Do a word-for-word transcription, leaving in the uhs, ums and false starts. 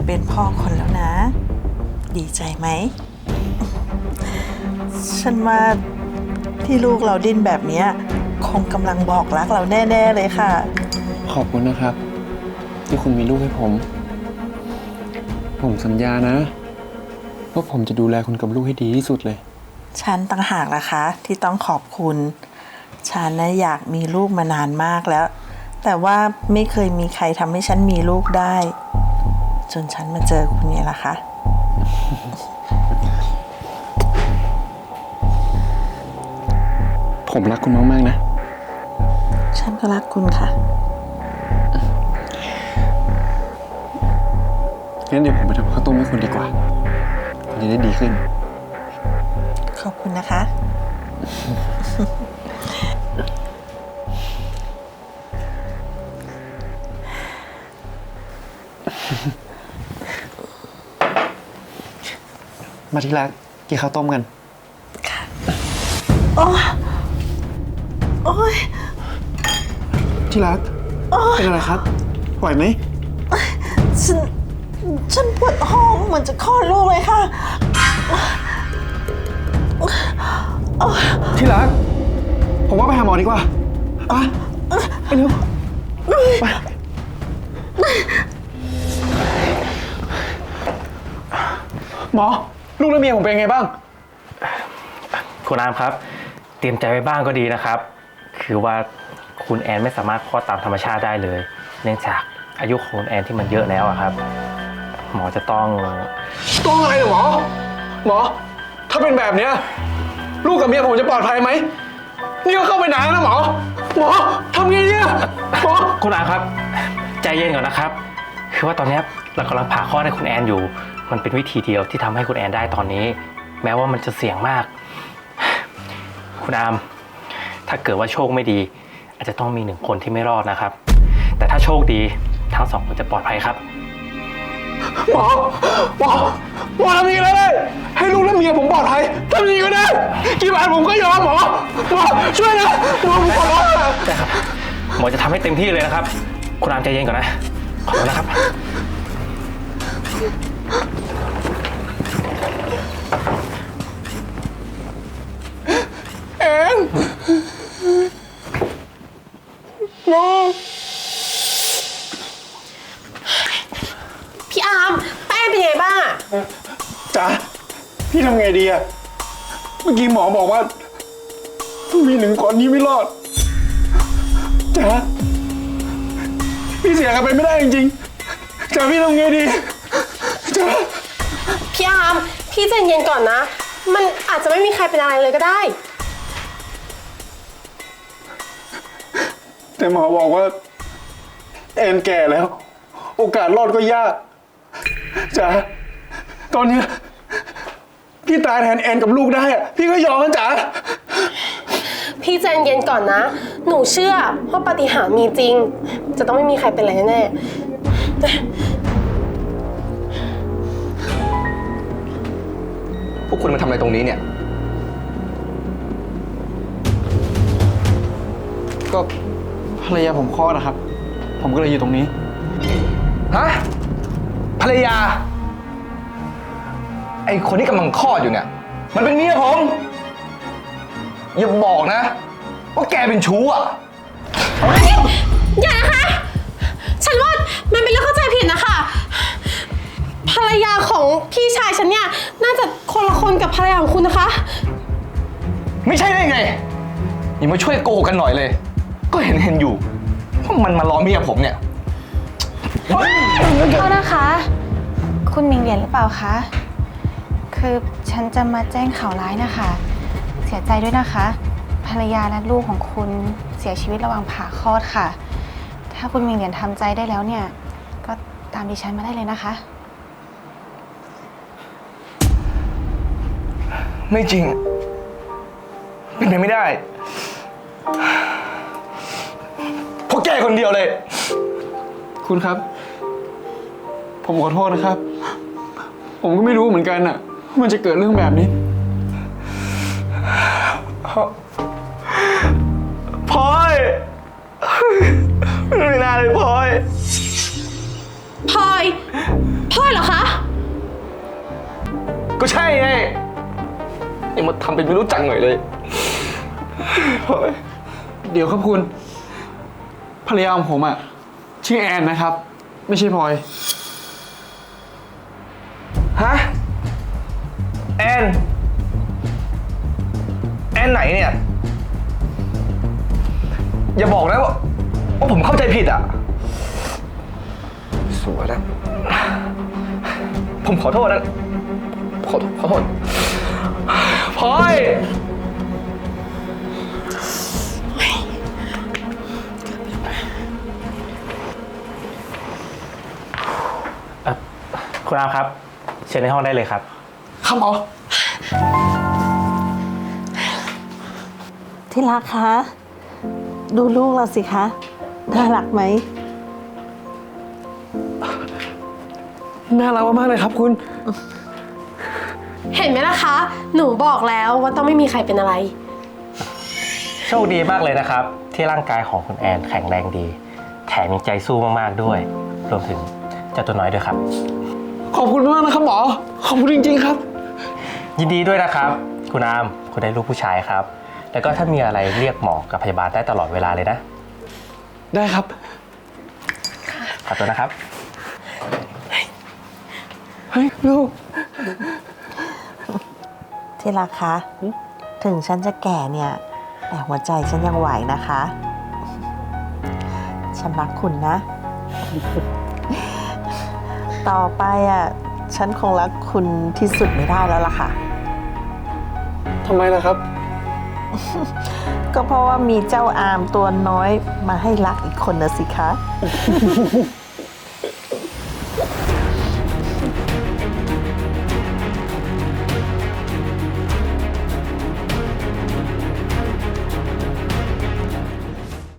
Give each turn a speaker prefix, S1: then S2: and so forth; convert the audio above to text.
S1: เป็นพ่อคนแล้วนะ ดีใจไหม ฉันว่าที่ลูกเราดิ้นแบบนี้คงกำลังบอกรักเราแน่ๆเลยค่ะ
S2: ขอบคุณนะครับ ที่คุณมีลูกให้ผม ผมสัญญานะว่าผมจะดูแลคุณกับลูกให้ดีที่สุดเลย
S1: ฉันต่างหากล่ะคะที่ต้องขอบคุณ ฉันนะอยากมีลูกมานานมากแล้ว แต่ว่าไม่เคยมีใครทำให้ฉันมีลูกได้ จนฉันมาเจอคุณเนี่ยล่ะคะ
S2: ผมรักคุณมากๆนะ
S1: ฉันก็รักคุณค่ะ
S2: งั้นเดี๋ยวผมไปทำข้าวต้มให้คุณดีกว่า คุณจะได้ดีขึ้น
S1: ขอบคุณนะคะ
S2: มาที่รักกินข้าวต้มกัน
S1: ค่ะ โอ้โอ้ย
S2: ที่รัก เป็นอะไรครับไหวไหม
S1: ฉัน ฉันปวดท้องเหมือนจะคลอดลูกเลยค่ะ
S2: ที่รัก ผมว่าไปหาหมอดีกว่าไปไปเร็วไปหมอ ลูกและเมียผมเป็นไงบ้าง
S3: คุณอามครับ เตรียมใจไว้บ้างก็ดีนะครับ คือว่าคุณแอนไม่สามารถคลอดตามธรรมชาติได้เลย เนื่องจากอายุของคุณแอนที่มันเยอะแล้วอะครับ หมอจะต้อง
S2: ต้องอะไรเหรอหมอ หมอ ถ้าเป็นแบบเนี้ยลูกกับเมียผมจะปลอดภัยไหม นี่ก็เข้าไปนานแล้วนะหมอ หมอทำไงเนี่ยหมอ
S3: คุณอามครับ ใจเย็นก่อนนะครับ คือว่าตอนนี้เรากำลังผ่าคลอดให้คุณแอนอยู่ มันเป็นวิธีเดียวที่ทำให้คุณแอนได้ตอนนี้ แม้ว่ามันจะเสี่ยงมาก คุณอาม ถ้าเกิดว่าโชคไม่ดี อาจจะต้องมีหนึ่งคนที่ไม่รอดนะครับ แต่ถ้าโชคดีทั้งสองคนจะปลอดภัยครับ
S2: หมอ หมอ หมอทำยังไงก็ได้ให้ลูกและเมียผมปลอดภัยทำยังไงก็ได้กี่บาทผมก็ยอมหมอ หมอช่วยนะหมอผมขอร้องนะ
S3: ได้ครับ หมอจะทำให้เต็มที่เลยนะครับ คุณอามใจเย็นก่อนนะ ขอบคุณนะครับ
S2: แอนน้อง
S4: พี่อาร์มแป้งเป็นไงบ้างอะ
S2: จ๋าพี่ทำไงดีอะเมื่อกี้หมอบอกว่ามีหนึ่งคนนี้ไม่รอดจ๋าพี่เสียกันไปไม่ได้จริงๆจ๋าพี่ทำไงดีจ๋า
S4: พี่อาร์มพี่ใจเย็นก่อนนะ มันอาจจะไม่มีใครเป็นอะไรเลยก็ได้
S2: แต่หมอบอกว่าแอนแก่แล้ว โอกาสรอดก็ยากจ๋าตอนเนี้ยพี่ตายแทนแอนกับลูกได้อะพี่ก็ยอมนะจ๋า
S4: พี่ใจเย็นก่อนนะ หนูเชื่อว่าปาฏิหาริย์มีจริง จะต้องไม่มีใครเป็นอะไรแน่
S5: พวกคุณมาทำอะไรตรงนี้เนี่ย
S2: ก็ภรรยาผมคลอดนะครับ ผมก็เลยอยู่ตรงนี้
S5: ฮะ ภรรยา ไอคนที่กำลังคลอดอยู่เนี่ย มันเป็นเมียผม อย่าบอกนะ ว่าแกเป็นชู้อ่ะ
S4: ๆอย่านะคะ ฉันว่ามันเป็นเรื่องเข้าใจผิดนะคะ ภรรยาของพี่ชายฉันเนี่ยน่าจะคนละคนกับภรรยาของคุณนะคะ
S5: ไม่ใช่ได้ไง อย่ามาช่วยโกหกกันหน่อยเลย ก็เห็นเห็นอยู่ว่ามันมาล้อเมียผมเนี่ย
S6: โทษนะคะ คุณมิงเหรียญหรือเปล่าคะ คือฉันจะมาแจ้งข่าวร้ายนะคะ เสียใจด้วยนะคะ ภรรยาและลูกของคุณเสียชีวิตระหว่างผ่าคลอดค่ะ ถ้าคุณมิงเหรียญทำใจได้แล้วเนี่ย ก็ตามดิฉันมาได้เลยนะคะ
S5: ไม่จริง เป็นไปไม่ได้เพราะแกคนเดียวเลย
S2: คุณครับ ผมขอโทษนะครับ ผมก็ไม่รู้เหมือนกันอะว่ามันจะเกิดเรื่องแบบนี้พลอยไม่น่าเลยพลอย
S4: พลอย พพ่อเหรอคะ
S5: ก็ใช่ไงยังมาทำเป็นไม่รู้จักหน่อยเลยพลอย
S2: เดี๋ยวครับคุณ ภรรยาของผมอะชื่อแอนนะครับ ไม่ใช่พลอย
S5: ฮะ แอน แอนไหนเนี่ย อย่าบอกนะว่าว่าผมเข้าใจผิดอ่ะ สวยนะ ผมขอโทษนะ ขอขอโทษพลอย
S3: เอ่อคุณอามครับ เชิญในห้องได้เลยครับ
S2: ครับหมอ
S1: ที่รักคะ ดูลูกเราสิคะ น่ารักไหม
S2: น่ารักมากๆเลยครับคุณ
S4: เห็นไหมล่ะคะ หนูบอกแล้วว่าต้องไม่มีใครเป็นอะไร
S3: โชคดีมากเลยนะครับ ที่ร่างกายของคุณแอนแข็งแรงดี แถมยังใจสู้มากๆด้วย รวมถึงเจ้าตัวน้อยด้วยครับ
S2: ขอบคุณมากนะครับหมอ ขอบคุณจริงๆครับ
S3: ยินดีด้วยนะครับ คุณอามคุณได้ลูกผู้ชายครับ แล้วก็ถ้ามีอะไรเรียกหมอกับพยาบาลได้ตลอดเวลาเลยนะ
S2: ได้ครับ
S3: ขอตัวนะครับ
S2: เฮ้ยลูก
S1: ที่รักคะ ถึงฉันจะแก่เนี่ย แต่หัวใจฉันยังไหวนะคะ ฉันรักคุณนะ ต่อไปอ่ะ ฉันคงรักคุณที่สุดไม่ได้แล้วล่ะค่ะ
S2: ทำไมล่ะครับ
S1: ก็เพราะว่ามีเจ้าอามตัวน้อยมาให้รักอีกคนนะสิคะ